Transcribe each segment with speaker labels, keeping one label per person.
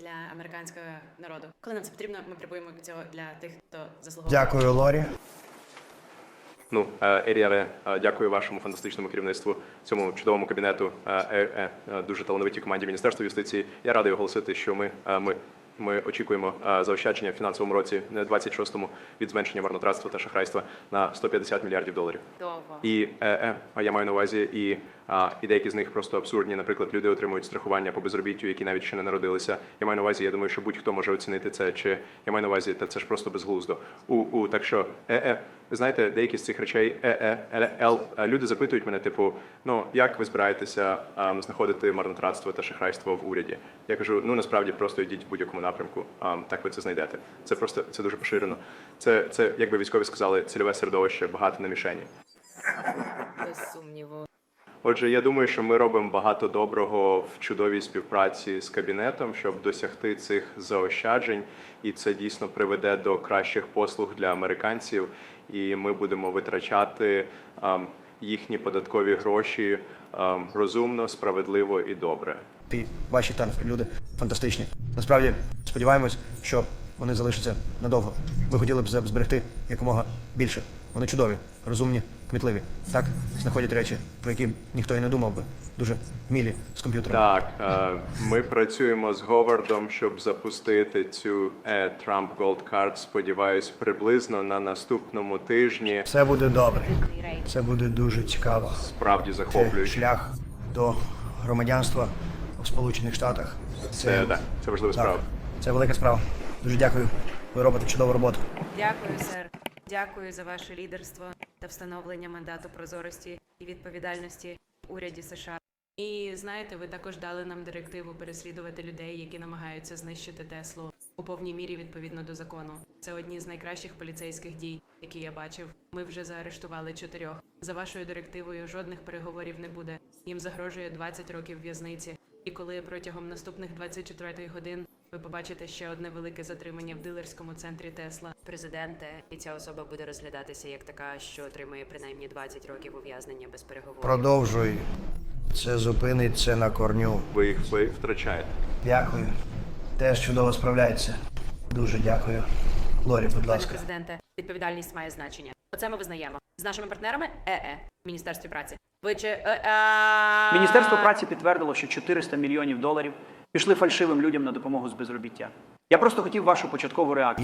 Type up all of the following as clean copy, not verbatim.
Speaker 1: для американського народу. Коли нам це потрібно, ми прибуємо цього для тих, хто заслуговує.
Speaker 2: Дякую, Лорі.
Speaker 3: Еріале, дякую вашому фантастичному керівництву, цьому чудовому кабінету, дуже талановитій команді Міністерства юстиції. Я радий оголосити, що ми очікуємо заощадження в фінансовому році 26-му від зменшення марнотратства та шахрайства на $150 мільярдів.
Speaker 1: Довго.
Speaker 3: І я маю на увазі, і деякі з них просто абсурдні. Наприклад, люди отримують страхування по безробіттю, які навіть ще не народилися. Я маю на увазі, я думаю, що будь-хто може оцінити це, чи я маю на увазі, та це ж просто безглуздо. Так що, ви знаєте, деякі з цих речей, люди запитують мене, типу, як ви збираєтеся знаходити марнотратство та шахрайство в уряді? Я кажу, насправді просто йдіть в будь-якому напрямку, так ви це знайдете. Це дуже поширено. Це, як би військові сказали, цільове середовище, багато на мішені.
Speaker 1: Без сумніву.
Speaker 3: Отже, я думаю, що ми робимо багато доброго в чудовій співпраці з кабінетом, щоб досягти цих заощаджень, і це дійсно приведе до кращих послуг для американців, і ми будемо витрачати їхні податкові гроші розумно, справедливо і добре.
Speaker 2: Ваші там люди фантастичні. Насправді, сподіваємось, що вони залишаться надовго. Ми хотіли б зберегти якомога більше. Вони чудові, розумні, кмітливі. Так, знаходять речі, про які ніхто і не думав би. Дуже мілі з комп'ютером.
Speaker 3: Так, ми працюємо з Говардом, щоб запустити цю Trump Gold Card, сподіваюсь, приблизно на наступному тижні.
Speaker 2: Все буде добре. Це буде дуже цікаво.
Speaker 3: Справді
Speaker 2: Це
Speaker 3: захоплююче.
Speaker 2: шлях до громадянства в Сполучених Штатах.
Speaker 3: Це важлива справа.
Speaker 2: Це велика справа. Дуже дякую. Ви робите чудову роботу.
Speaker 1: Дякую, сер. Дякую за ваше лідерство та встановлення мандату прозорості і відповідальності в уряді США. І знаєте, ви також дали нам директиву переслідувати людей, які намагаються знищити Теслу у повній мірі відповідно до закону. Це одні з найкращих поліцейських дій, які я бачив. Ми вже заарештували 4. За вашою директивою жодних переговорів не буде. Їм загрожує 20 років в'язниці. І коли протягом наступних 24 годин ви побачите ще одне велике затримання в дилерському центрі Тесла. Президенте, і ця особа буде розглядатися як така, що отримує принаймні 20 років ув'язнення без переговорів.
Speaker 2: Продовжуй. Це зупинить це на корню.
Speaker 3: Ви їх втрачаєте.
Speaker 2: Дякую. Теж чудово справляється. Дуже дякую. Лорі, будь
Speaker 1: Пане
Speaker 2: ласка.
Speaker 1: президенте, відповідальність має значення. Оце ми визнаємо. З нашими партнерами в Міністерстві праці. Ви чи
Speaker 4: Міністерство праці підтвердило, що $400 мільйонів пішли фальшивим людям на допомогу з безробіття. Я просто хотів вашу початкову реакцію.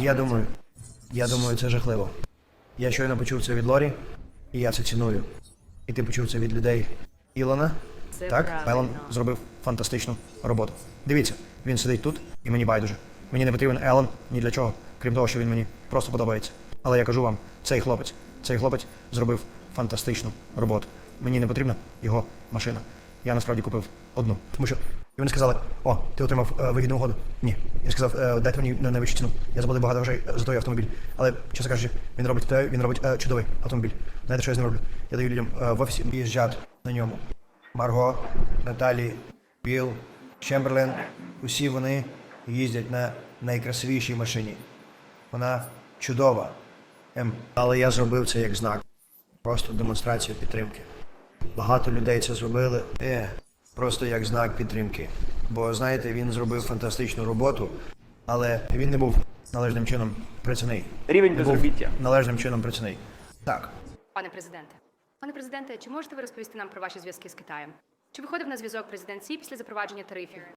Speaker 2: Я думаю, це жахливо. Я щойно почув це від Лорі, і я це ціную. І ти почув це від людей Ілона.
Speaker 1: Це
Speaker 2: так?
Speaker 1: правильно.
Speaker 2: Елон зробив фантастичну роботу. Дивіться, він сидить тут, і мені байдуже. Мені не потрібен Елон ні для чого, крім того, що він мені просто подобається. Але я кажу вам, цей хлопець зробив фантастичну роботу. Мені не потрібна його машина. Я насправді купив одну. Тому що вони сказали, ти отримав вигідну угоду. Ні. Я сказав, дайте мені найвищу ціну. Я заплатив багато грошей за той автомобіль. Але, чесно кажучи, він робить чудовий автомобіль. Знаєте, що я з ним роблю? Я даю людям в офісі їжджати на ньому. Марго, Наталі, Білл, Чемберлен, усі вони їздять на найкрасивішій машині. Вона чудова. Але я зробив це як знак. Просто демонстрацію підтримки. Багато людей це зробили просто як знак підтримки. Бо, знаєте, він зробив фантастичну роботу, але він не був належним чином працівний.
Speaker 4: Рівень безробіття.
Speaker 2: Належним чином працівний. Так.
Speaker 5: Пане президенте, чи можете ви розповісти нам про ваші зв'язки з Китаєм? Чи виходив на зв'язок президент Сі після запровадження тарифів?